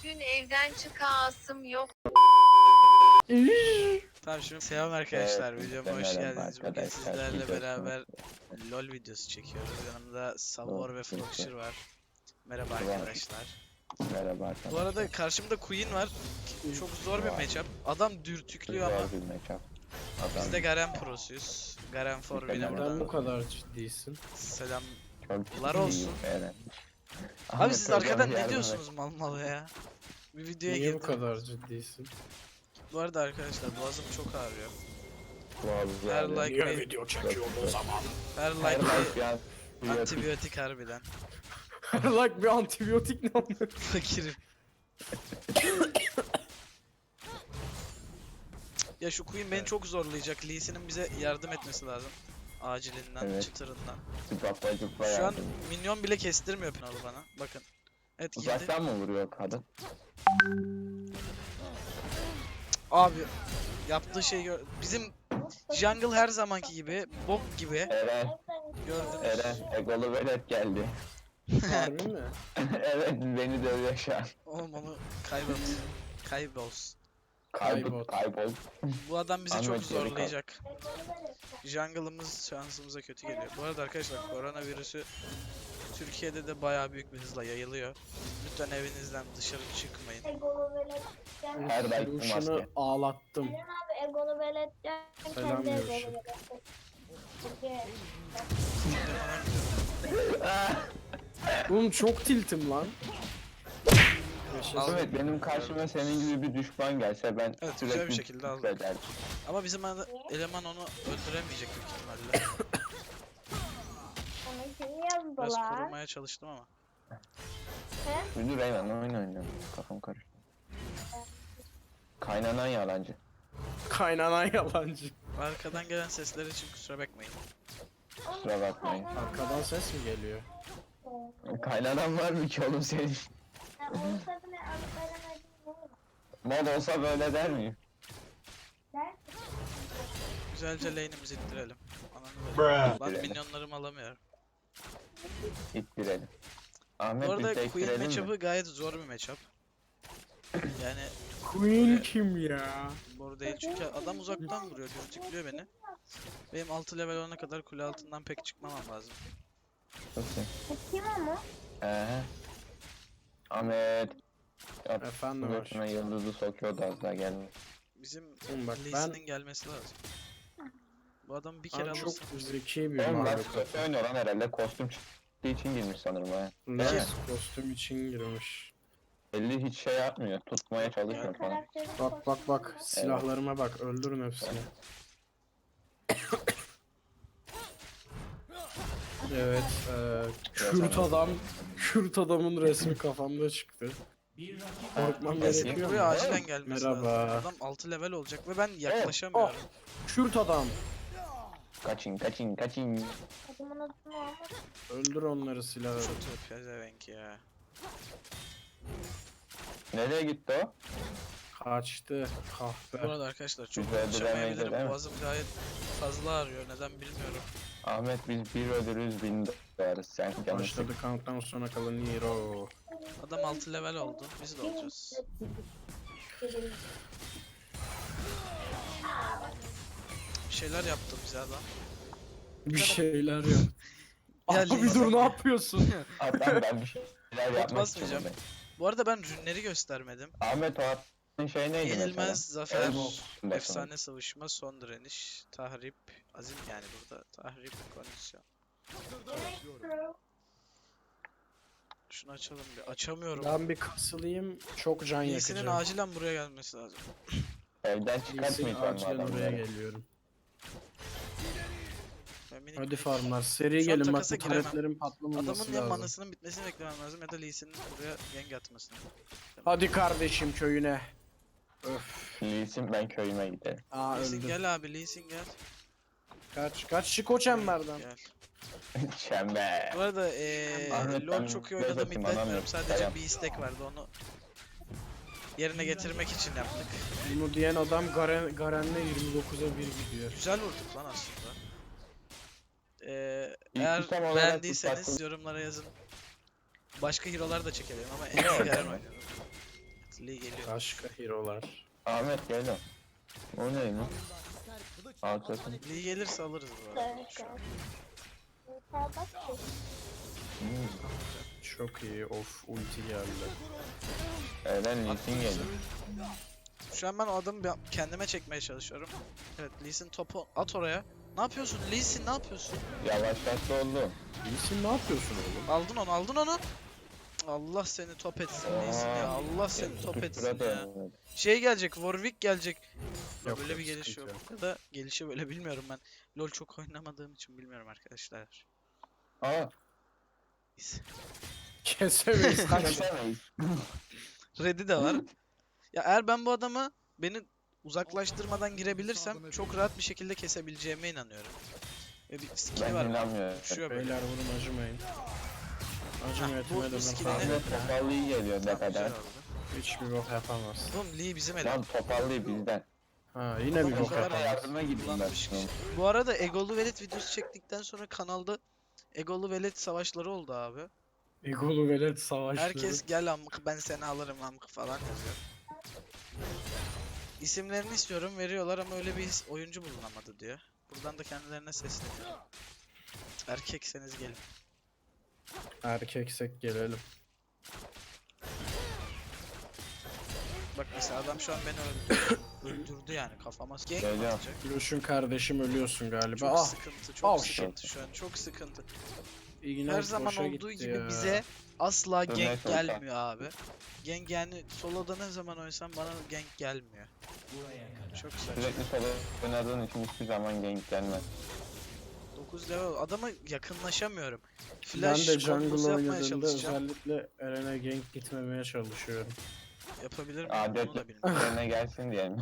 Bugün evden çıkasım yok. Tamam şimdi selam arkadaşlar, Evet, videoma hoş merhaba geldiniz. Bugün arkadaşlar, sizlerle videosuna beraber LoL videosu çekiyoruz. Yanımda Savor ve videosu. Frogshire var. Merhaba Var. arkadaşlar. Merhaba Bu arkadaşlar. arada karşımda Queen var. Çok zor bir Var. matchup. Adam dürtüklüyor ama Zor bir matchup. biz de Garen Pro'suyuz. Garen for Biz de win'e Garen. Neden bu buradan kadar ciddisin? selam. Çok Lar ciddiyim, olsun. evet. Abi Ahmet siz Hocam arkadan ne yardım diyorsunuz mal mal ya? Bir videoya Niye bu girdim. kadar ciddisin? Bu arada arkadaşlar boğazım çok ağrıyor. et. Her like bir, video çekiyorum o zaman? her Her like like ya. bir antibiyotik harbiden. Like bir antibiyotik ne oldu? Fakirim. Ya şu Queen beni çok zorlayacak. Lee Sin'in bize yardım etmesi lazım. Acilinden, Evet. çıtırından. Zıplatma zıpla Şu an yardım. minyon bile kestirmiyor Pınalı bana. Bakın. Evet girdi. Uzaktan mı vuruyor kadın? Abi yaptığı şey bizim jungle her zamanki gibi bok gibi Eren, gördünüz. Eren, egolu velet geldi. Harbi mi? Evet, beni dövüyor şu an. Oğlum onu kaybol. Kaybol. Kaybol. Kaybol. Bu adam bizi çok Ahmet geri kal. zorlayacak. Jungle'ımız şansımıza kötü geliyor. Bu arada arkadaşlar koronavirüsü Türkiye'de de bayağı büyük bir hızla yayılıyor. Lütfen evinizden dışarı çıkmayın. Egolu velet Her like bu Ruşan'ı maske. ağlattım. Eren abi egolu velet Selam kendi Yuşa. egolu velet. Peki. Oğlum çok tiltim lan. Ahmet benim karşıma senin gibi bir düşman gelse ben Evet, güzel sürekli bir şekilde aldık. küfrederdim. Ama bizim eleman onu öldüremeyecek büyük ihtimalle. Onu kim Biraz yazdılar? korumaya çalıştım ama. Ünlü Reymen oyun oynuyorum. Kafam karıştı. Kaynanan yalancı. Kaynanan yalancı. Arkadan gelen sesler için kusura bakmayın. Kusura bakmayın. Arkadan ses mi geliyor? Kaynanan var mı ki oğlum senin? Ha, onun tadını alıp veremedim ne olur? Mod olsa böyle der miyim? Der. Güzelce lane'imizi ittirelim. Ananı böyle. Lan minyonlarımı alamıyorum. İttirelim. Bu Ahmet arada biz de Queen ittirelim mi? matchup'ı gayet zor bir matchup. Yani Queen kim ya? zor değil çünkü adam uzaktan vuruyor, dürtüklüyor beni. Benim 6 level olana kadar kule altından pek çıkmamam lazım. Nasıl? Kim ama? Ahmet. Ya, Efendim suratına yıldızı sokuyordu az daha gelme. Bizim Oğlum bak Lee ben- Sin'in gelmesi lazım. Bu adamı bir kere Ben çok alırsam. zeki bir Oğlum bak varlık. kötü oynuyor lan herhalde kostüm çıktığı için girmiş sanırım ha. Ne? Değil mi? Kostüm için girmiş. Belli hiç şey yapmıyor. Tutmaya çalışmıyor falan. Karakteri Bak bak bak silahlarıma bak öldürün hepsini. Evet, Kürt adam, Kürt adamın resmi kafamda çıktı. Korkmam Bakayım. gerekiyor Buraya mu? acilen gelmesi lazım. Merhaba. Adam 6 level olacak ve ben yaklaşamıyorum. Kürt adam. Kaçın kaçın kaçın. adımın adını almak. Öldür onları silahı. Çok pezevenk ya. Nereye gitti o? Kaçtı. Bu Kahpe. arada arkadaşlar çok Güzel konuşamayabilirim. değil mi? Boğazım gayet fazla ağrıyor. Neden bilmiyorum. Ahmet biz bir ödürüz bin dolarız. Sen canın Başladı countdown sona kalan hero. Adam 6 level oldu. Biz de olacağız. Bir şeyler yaptı bize adam. Bir şeyler yap. Ya Abi Lisa- dur ne yapıyorsun? Adam ben bir şeyler yapmak basmayacağım. istiyorum. Bu arada ben rünleri göstermedim. Ahmet o attığın şey neydi Yenilmez, mesela? zafer, Basın. efsane savuşma, son direniş, tahrip, azim yani burada tahrip, kondisyon. Şunu açalım bir. Açamıyorum. Ben bir kasılayım. Çok can Lee'sinin yakacağım. acilen buraya gelmesi lazım. Evden Lee'sin çıkartmayacağım bu acilen oraya adamları. geliyorum. Ben minik Hadi bir- farmlar seri Şu an gelin bak takasa bu giremem. taretlerin patlamaması Adamın ya lazım. manasının bitmesini beklemem lazım ya da Lee'sinin buraya gank atmasını. Hadi kardeşim köyüne. Öf. Lee'sin ben köyüme giderim. Aa Lee'sin öldü. gel abi, Lee'sin gel. Kaç çık o çemberden. Gel. Çember. Bu arada Ahmet, LoL ben çok iyi biraz oynadığımı atayım, iddia etmiyorum. anlamıyorum. Sadece Dayan. bir istek vardı, onu yerine getirmek için yaptık. Bunu diyen adam Garen'le 29'a 1 gidiyor. Güzel vurduk lan aslında. İlk Eğer item olarak beğendiyseniz ufak- yorumlara yazın. Başka hero'lar da çekelim ama en iyi Garen oynuyorum. Evet Lee geliyor. Başka hero'lar. Ahmet gel lan. O ne lan? Arkasın. Lee gelirse alırız bu arada. Evet. Şu an. Sağ bak ki. Çok iyi. Of ulti geldi. Eren Lee Sin geldi. Şu an ben o adamı kendime çekmeye çalışıyorum. Evet Lee Sin topu at oraya. Ne yapıyorsun Lee Sin, ne yapıyorsun? Yavaşlatma oldu. İyisin, ne yapıyorsun oğlum? Aldın onu, aldın onu. Allah seni top etsin Lee Sin ya. Allah seni top etsin ya. Şey gelecek, Warwick gelecek. Yok, Böyle yok, bir geliş sıkıntı yok. Ya da gelişi böyle bilmiyorum ben. LoL çok oynamadığım için bilmiyorum arkadaşlar. Aa, Neyse. Kesemeyiz kaç. kesemeyiz. Red'i de var. Ya eğer ben bu adamı beni uzaklaştırmadan girebilirsem çok rahat bir şekilde kesebileceğime inanıyorum. Ve bir skill'i Ben var. inanmıyorum. Uçuyor böyle. Beyler vurun, acımayın. Acımayın, bu etime skill'ini- dönün. Ahmet topallı iyi geliyor ne Tamam, kadar. güzel oldu. Hiçbir bok yapamaz. Oğlum Lee bizim eleman. Lan topallı bizden. Ha yine bir Adamı bok kadar yapamaz. Yardıma gittim ben. Kullanmış kişi. Bu arada Egolu Velet videosu çektikten sonra kanalda Egolu Velet savaşları oldu abi. Egolu velet savaşları. Herkes gel amk ben seni alırım amk falan yazıyor. İsimlerini istiyorum veriyorlar ama öyle bir oyuncu bulunamadı diyor. Buradan da kendilerine sesleniyorum. Erkekseniz gelin. Erkeksek gelelim. Bak mesela adam şu an beni öldürdü. Öldürdü yani kafama. Gank mi Geliyor. atacak? Gülüşün kardeşim, ölüyorsun galiba. Çok Ah, sıkıntı, çok Oh, sıkıntı şu an, çok sıkıntı. iğne Her zaman boşa olduğu gitti gibi ya. bize asla Dönmeye gank çalışan. gelmiyor abi. Gank yani soloda ne zaman oynasam bana gank gelmiyor. Çok saçma. Sürekli solo oynadığın için hiçbir zaman gank gelmez. 9 level adama yakınlaşamıyorum. Ben Flash de kombosu jungle yapmaya oynadığımda çalışacağım. özellikle Eren'e gank gitmemeye çalışıyorum. Yapabilir miyim Adet onu da bilmiyorum. yerine gelsin diyelim.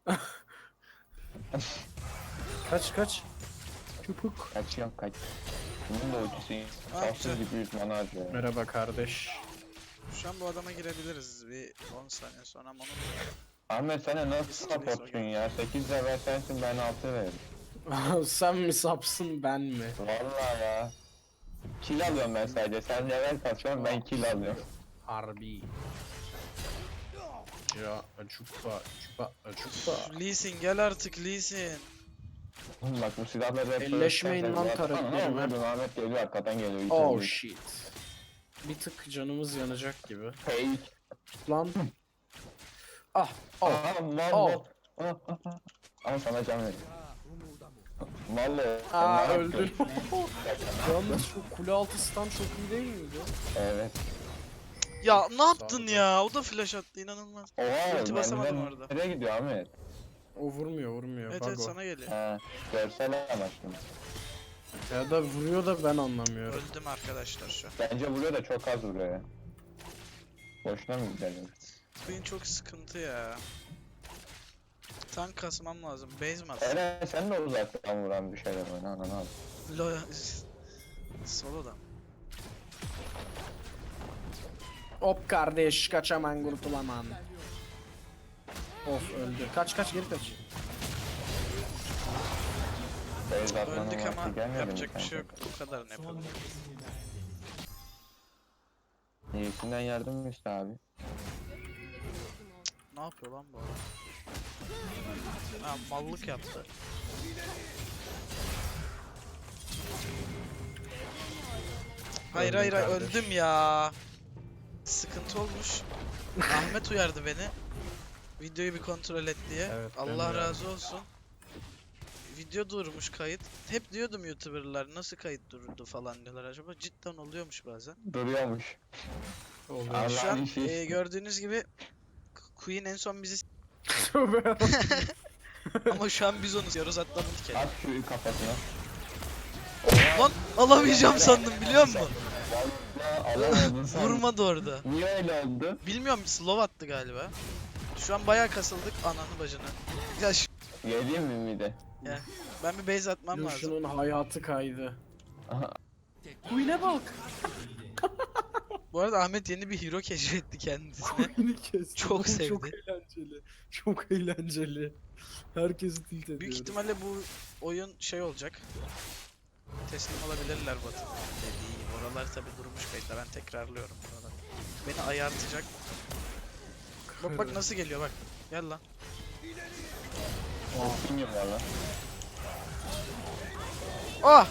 Kaç. Çupuk. Kaçıyorum kaç. Bunun da ultisi safsız güzel. gibi 100 mana harcıyor. Merhaba kardeş. Şu an bu adama girebiliriz bir 10 saniye sonra ama onu Ahmet sana nasıl supportsun ya? 8 level sensin ben 6 veririm. Sen mi sapsın, ben mi? Vallahi ya. Kill alıyorum ben sadece. Sen level kasıyorsun ben kill alıyorum. Harbi. Ya çupa. Lee Sin gel artık Lee Sin. Bak bu silahları hep Elleşmeyin lan karakterime. Vurdun Ahmet geliyor arkadan geliyor. Oh İçeri. shit. Bir tık canımız yanacak gibi. Fake. Lan. Ah. Aha mal Oh. mal. Ah, ah, ah. Ama sana can veriyor. Vallahi. Aa ne öldün. yaptın? Yalnız şu kule altı stun çok iyi değil miydi? Evet. Ya ne yaptın Sağ ol. ya? O da flash attı inanılmaz. Oha Ulti basamadım orada. Nereye gidiyor Ahmet? O vurmuyor. Evet Bug evet o. sana geliyor. Ha, görsel amaçlı. Ya da vuruyor da ben anlamıyorum. Öldüm arkadaşlar şu an. Bence vuruyor da çok az vuruyor ya. Boşuna mı gidelim? Oyun çok sıkıntı ya. Tank kasmam lazım. Base mi atsam? Eren sen de uzaktan vuran bir şeyler oyna ananı al. Lo Solo'dan. Hop kardeş, kaçaman kurtulaman. Of öldü. Kaç geri kaç. Beyz atmanın Öldük vakti ama gelmedi mi yapacak bir şey kanka? yok. Bu kadarını yapalım. İyisinden yardım işte abi. Ne yapıyor lan bu adam? Ha mallık yaptı. Hayır Öldüm kardeş. öldüm ya. Sıkıntı olmuş. Ahmet uyardı beni. Videoyu bir kontrol et diye. Evet, ben Allah uyardım. razı olsun. Video durmuş kayıt. Hep diyordum YouTuber'lar nasıl kayıt durdu falan diyorlar acaba. Cidden oluyormuş bazen. Duruyormuş. Oluyor. Allah Şu an işi. gördüğünüz gibi Queen en son bizi Tövbe. ama şu an biz onu istiyoruz hatta bunu dikelim. At şu kafasına. Lan alamayacağım sandım biliyor musun? Vallahi alamadın sen. Vurmadı orada. Niye öyle oldu? Bilmiyorum slow attı galiba. Şu an bayağı kasıldık ananı bacını. Ya Yediğim mi bir de? ben bir base atmam lazım. Lucian'ın hayatı kaydı. Aha. Queen'e bak. Bu arada Ahmet yeni bir hero keşfetti kendisine. Queen'i kesti. Çok Çok sevdi. eğlenceli. Çok eğlenceli. Herkesi tilt ediyor. Büyük ihtimalle bu oyun şey olacak. Teslim olabilirler Batı. Dediği oralar tabi durmuş kayıtlar ben tekrarlıyorum buralar. Beni ayartacak. Bak bak nasıl geliyor bak. Gel lan. Bilmiyorum valla. Ah!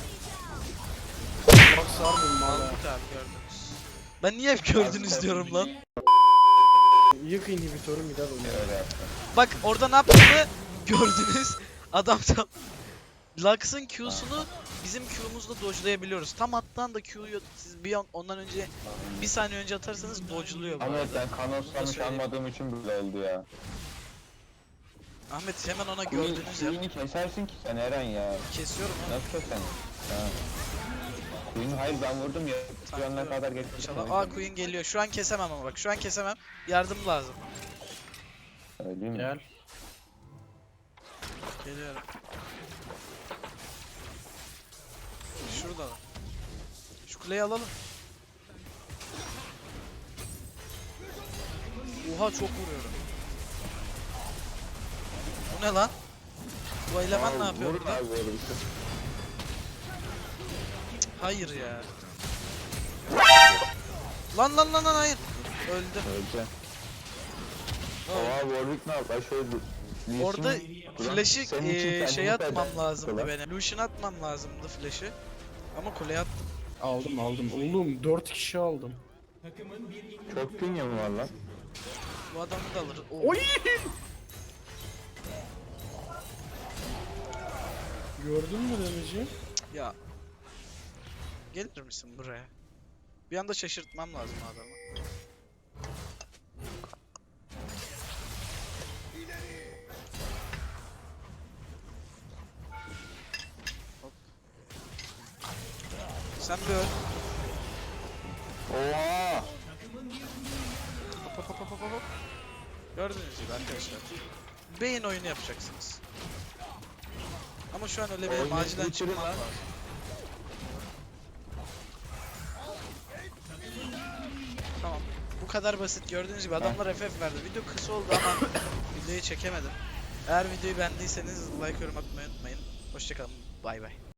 Bak sardım valla. Mahmut abi gördünüz. Ben niye hep gördünüz diyorum lan. Yık inhibitörü bir daha oynuyor. Öyle yaptım. Bak orada ne yaptığımı gördünüz. Adam tam Lux'ın Q'sunu bizim Q'muzla dodge'layabiliyoruz. Tam attan da Q'yu siz bir ondan önce bir saniye önce atarsanız dodge'luyor bu Ahmet arada. ben kanoslamış söyleyeyim. almadığım için böyle oldu ya. Ahmet hemen ona gördünüz ya. Queen'i kesersin ki sen Eren ya. Kesiyorum ya. Nasıl kesen? Ha. Queen hayır ben vurdum ya. Şu ana Saklıyorum. kadar getirdim. İnşallah. Aa Queen geliyor. Şu an kesemem ama bak. Şu an kesemem. Yardım lazım. Öyle mi? Gel. Geliyorum. Şurada var. Şu kuleyi alalım. Oha çok vuruyorum. Bu ne lan? Bu eleman ne yapıyor Vurun burada? abi böyle bir şey. Hayır ya. Lan hayır. Öldüm. Öleceğim. Öldüm. Oha Warwick ne yapar? Şöyle Lee Orada Sin- flash'ı Senin için kendini şey atmam feda lazımdı ettiler. benim. Lucian atmam lazımdı flash'ı. Ama kuleye attım. Aldım. Oğlum 4 kişi aldım. Çok pinyum var lan. Bu adamı da alır. Oo. Oy! Gördün mü damage'i? Ya. Gelir misin buraya? Bir anda şaşırtmam lazım adamı. Hop. Sen bir öl. Oha! Hop. Gördüğünüz gibi arkadaşlar. Beyin oyunu yapacaksınız. Ama şu an öyle benim Oyunu acilen bitirin çıkmam lan. lazım. Tamam. Bu kadar basit. Gördüğünüz gibi adamlar FF verdi. Video kısa oldu ama videoyu çekemedim. Eğer videoyu beğendiyseniz like yorum atmayı unutmayın. Hoşçakalın. Bay bay.